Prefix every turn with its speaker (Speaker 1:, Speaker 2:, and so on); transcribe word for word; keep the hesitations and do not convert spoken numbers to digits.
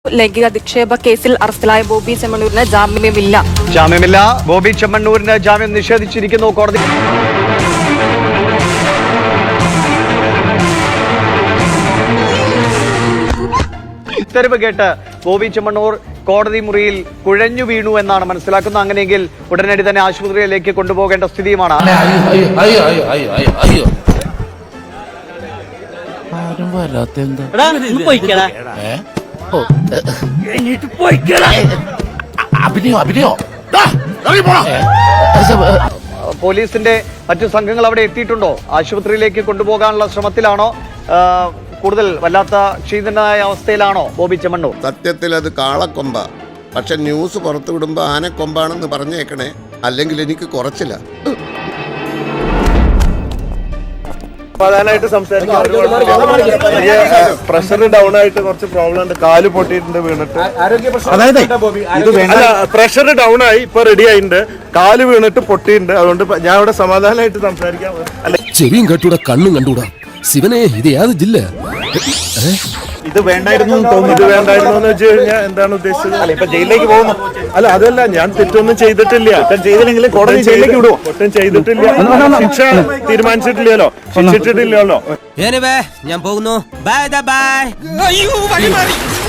Speaker 1: ലൈംഗിക അധിക്ഷേപ കേസിൽ അറസ്റ്റിലായ ബോബി ചെമ്മണ്ണൂരിന് ജാമ്യമില്ല
Speaker 2: ജാമ്യമില്ല ബോബി ചെമ്മണ്ണൂരിന് ജാമ്യം നിഷേധിച്ചിരിക്കുന്നു കോടതി. ഉത്തരവ് കേട്ട് ബോബി ചെമ്മണ്ണൂർ കോടതി മുറിയിൽ കുഴഞ്ഞു വീണു എന്നാണ് മനസ്സിലാക്കുന്നത്. അങ്ങനെയെങ്കിൽ ഉടനടി തന്നെ ആശുപത്രിയിലേക്ക് കൊണ്ടുപോകേണ്ട സ്ഥിതിയുമാണ്. പോലീസിന്റെ മറ്റു സംഘങ്ങൾ അവിടെ എത്തിയിട്ടുണ്ടോ? ആശുപത്രിയിലേക്ക് കൊണ്ടുപോകാനുള്ള ശ്രമത്തിലാണോ? കൂടുതൽ വല്ലാത്ത ക്ഷീണിതനായ അവസ്ഥയിലാണോ ബോബി ചെമ്മണ്ണൂർ?
Speaker 3: സത്യത്തിൽ അത് കാളക്കൊമ്പ, പക്ഷെ ന്യൂസ് പുറത്തു വിടുമ്പോ ആനക്കൊമ്പാണെന്ന് പറഞ്ഞേക്കണേ, അല്ലെങ്കിൽ എനിക്ക് കുറച്ചില്ല.
Speaker 4: പ്രധാനമായിട്ട് സംസാരിക്കാൻ പ്രഷർ ഡൗൺ ആയിട്ട് കുറച്ച് പ്രോബ്ലം ഉണ്ട്. കാല് പൊട്ടിയിട്ടുണ്ട് വീണിട്ട്. അതായത് പ്രഷർ ഡൗൺ ആയി ഇപ്പൊ റെഡി ആയിട്ടുണ്ട്. കാല് വീണിട്ട് പൊട്ടിയിട്ടുണ്ട്. അതുകൊണ്ട് ഞാൻ ഇവിടെ സമാധാനമായിട്ട് സംസാരിക്കാൻ.
Speaker 5: ചെവിയും കണ്ടൂടാ കണ്ണും കണ്ടൂടാ ശിവനെ, ഇത് ഏത് ജില്ല?
Speaker 4: ഇത് വേണ്ടായിരുന്നു തോന്നുന്നു. ഇത് വേണ്ടായിരുന്നു എന്ന് വെച്ച് കഴിഞ്ഞാൽ എന്താണ് ഉദ്ദേശിച്ചത്? അല്ല, ഇപ്പൊ ജയിലിലേക്ക് പോകുന്നു. അല്ല, അതല്ല, ഞാൻ തെറ്റൊന്നും ചെയ്തിട്ടില്ല. ചെയ്തില്ലെങ്കിൽ കോടതി ജയിലിലേക്ക് വിടുവോ? ഒട്ടും ചെയ്തിട്ടില്ല. ശിക്ഷ തീരുമാനിച്ചിട്ടില്ലല്ലോ, ശിക്ഷിച്ചിട്ടില്ലല്ലോ.
Speaker 6: ഞാൻ പോകുന്നു. Bye by.